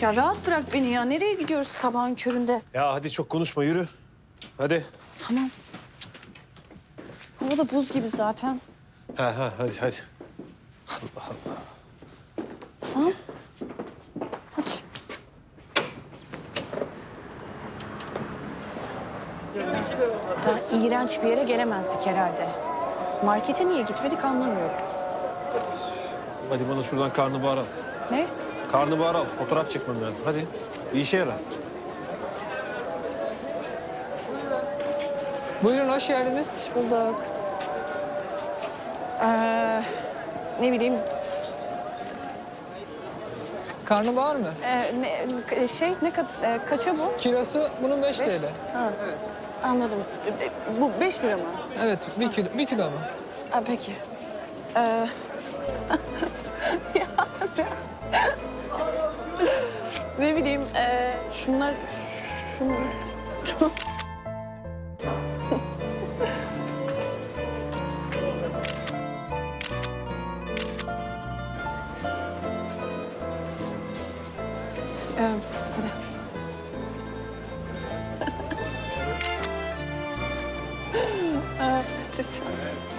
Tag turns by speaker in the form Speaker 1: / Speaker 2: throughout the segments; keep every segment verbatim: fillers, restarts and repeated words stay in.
Speaker 1: Ya rahat bırak beni ya. Nereye gidiyoruz sabahın köründe?
Speaker 2: Ya hadi çok konuşma, yürü. Hadi.
Speaker 1: Tamam. Hava da buz gibi zaten.
Speaker 2: Ha ha hadi hadi. Allah Allah.
Speaker 1: Tamam. Hadi. Daha iğrenç bir yere gelemezdik herhalde. Markete niye gitmedik anlamıyorum.
Speaker 2: Hadi bana şuradan karnabahar al.
Speaker 1: Ne?
Speaker 2: Karnabahar al, fotoğraf çekmem lazım. Hadi. Bir işe yarar.
Speaker 3: Buyurun, hoş geldiniz.
Speaker 1: Hoş bulduk. Ee, ne bileyim,
Speaker 3: Karnabahar mı?
Speaker 1: e, ne, şey ne ka- e, kaça bu?
Speaker 3: Kilosu bunun beş
Speaker 1: Beş?
Speaker 3: T L.
Speaker 1: Ha. Anladım. E, e, Bu beş lira mı?
Speaker 3: Evet, bir kilo, bir kilo mu?
Speaker 1: Ha, peki. Ee, ya ne, ne bileyim, e, şunlar, şunlar, şu... Ee, hadi. Ee, lütfen.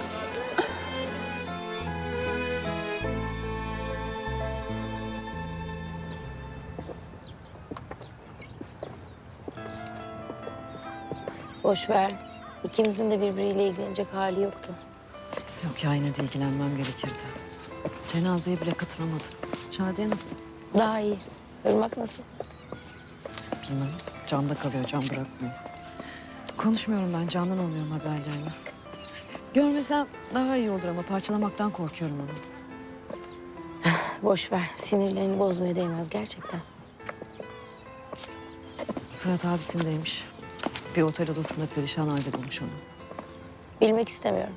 Speaker 4: Boş ver. İkimizin de birbiriyle ilgilenecek hali yoktu.
Speaker 5: Yok ya, yine de ilgilenmem gerekirdi. Cenazeye bile katılamadım. Şadiye nasıl?
Speaker 4: Daha iyi. Irmak nasıl?
Speaker 5: Bilmem. Can'da kalıyor, Can bırakmıyor. Konuşmuyorum ben, Can'dan alıyorum haberlerini. Görmesem daha iyi olur ama parçalamaktan korkuyorum onu.
Speaker 4: Boş ver. Sinirlerini bozmaya değmez gerçekten.
Speaker 5: Fırat abisindeymiş. Bir otel odasında perişan halde bulmuş onu.
Speaker 4: Bilmek istemiyorum.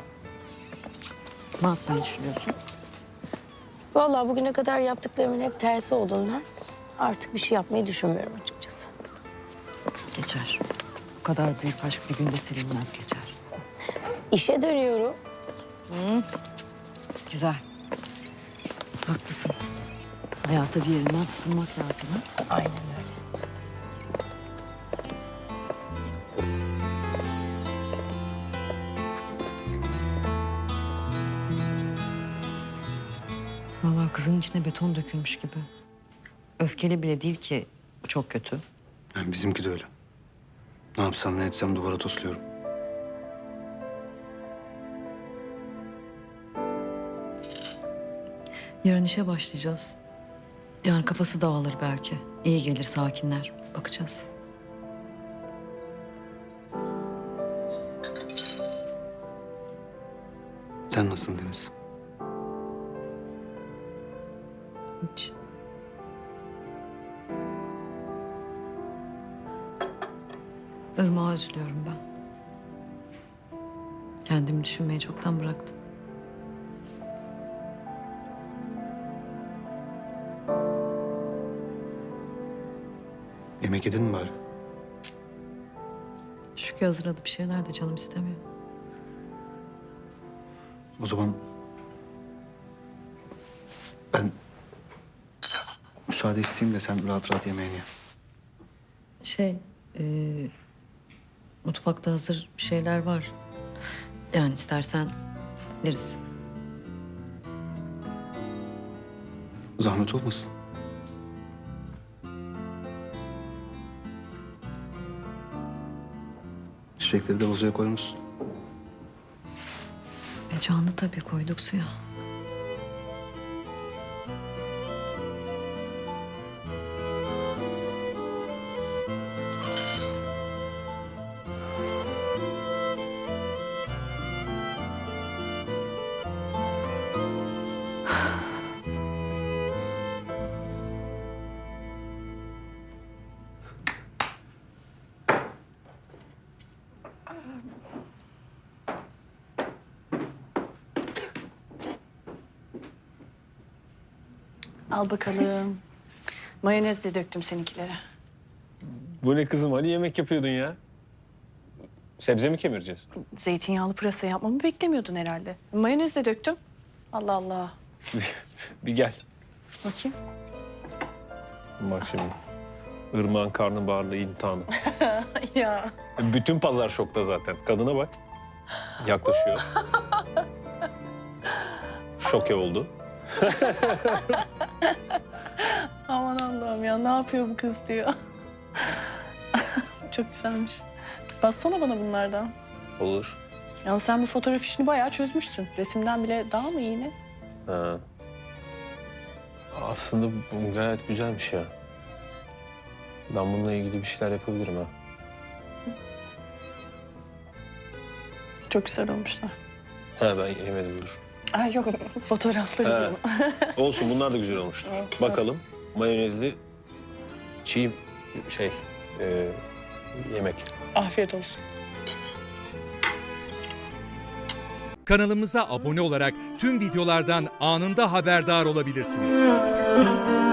Speaker 5: Ne yapmayı düşünüyorsun?
Speaker 4: Vallahi bugüne kadar yaptıklarımın hep tersi olduğundan artık bir şey yapmayı düşünmüyorum açıkçası.
Speaker 5: Geçer. Bu kadar büyük aşk bir günde silinmez, geçer.
Speaker 4: İşe dönüyorum.
Speaker 5: Güzel. Haklısın. Hayata bir yerinden tutunmak lazım ha?
Speaker 4: Aynen öyle.
Speaker 5: Vallahi kızın içine beton dökülmüş gibi. Öfkeli bile değil ki, bu çok kötü.
Speaker 6: Yani bizimki de öyle. Ne yapsam ne etsem duvara tosluyorum.
Speaker 5: Yarın işe başlayacağız. Yani kafası dağılır belki. İyi gelir, sakinler. Bakacağız.
Speaker 6: Sen nasılsın Deniz?
Speaker 5: Hiç. Irmak'a üzülüyorum ben. Kendimi düşünmeyi çoktan bıraktım.
Speaker 6: Yemek yedin mi bari?
Speaker 5: Şükrü hazırladı bir şeyler de canım istemiyor.
Speaker 6: O zaman ben müsaade isteyeyim de sen rahat rahat yemeğini ye.
Speaker 5: Şey, e, mutfakta hazır bir şeyler var. Yani istersen yeriz.
Speaker 6: Zahmet olmasın. Çiçekleri de vazoya koymuşsun.
Speaker 5: E canlı tabii, koyduk suya.
Speaker 1: Al bakalım. Mayonez de döktüm seninkilere.
Speaker 2: Bu ne kızım? Hani yemek yapıyordun ya? Sebze mi kemireceğiz?
Speaker 1: Zeytinyağlı pırasa yapmamı beklemiyordun herhalde. Mayonez de döktüm. Allah Allah.
Speaker 2: Bir gel.
Speaker 1: Bakayım.
Speaker 2: Bak şimdi. Irmak'ın karnabaharlı imtihanı.
Speaker 1: Ya.
Speaker 2: Bütün pazar şokta zaten. Kadına bak. Yaklaşıyor. Şoke oldu.
Speaker 1: Aman Allah'ım ya ne yapıyor bu kız diyor. Çok güzelmiş. Bassana bana bunlardan.
Speaker 2: Olur.
Speaker 1: Yani sen bu fotoğraf işini bayağı çözmüşsün. Resimden bile daha mı iyi ne?
Speaker 2: Ha. Aslında bu gayet güzelmiş ya. Ben bununla ilgili bir şeyler yapabilirim ha.
Speaker 1: Çok güzel olmuşlar.
Speaker 2: Ha ben yemedim dur.
Speaker 1: Ay yok fotoğrafları
Speaker 2: Ha.
Speaker 1: diyorum.
Speaker 2: Olsun bunlar da güzel olmuştur.
Speaker 1: Evet.
Speaker 2: Bakalım mayonezli çiğ şey e, yemek.
Speaker 1: Afiyet olsun.
Speaker 7: Kanalımıza abone olarak tüm videolardan anında haberdar olabilirsiniz.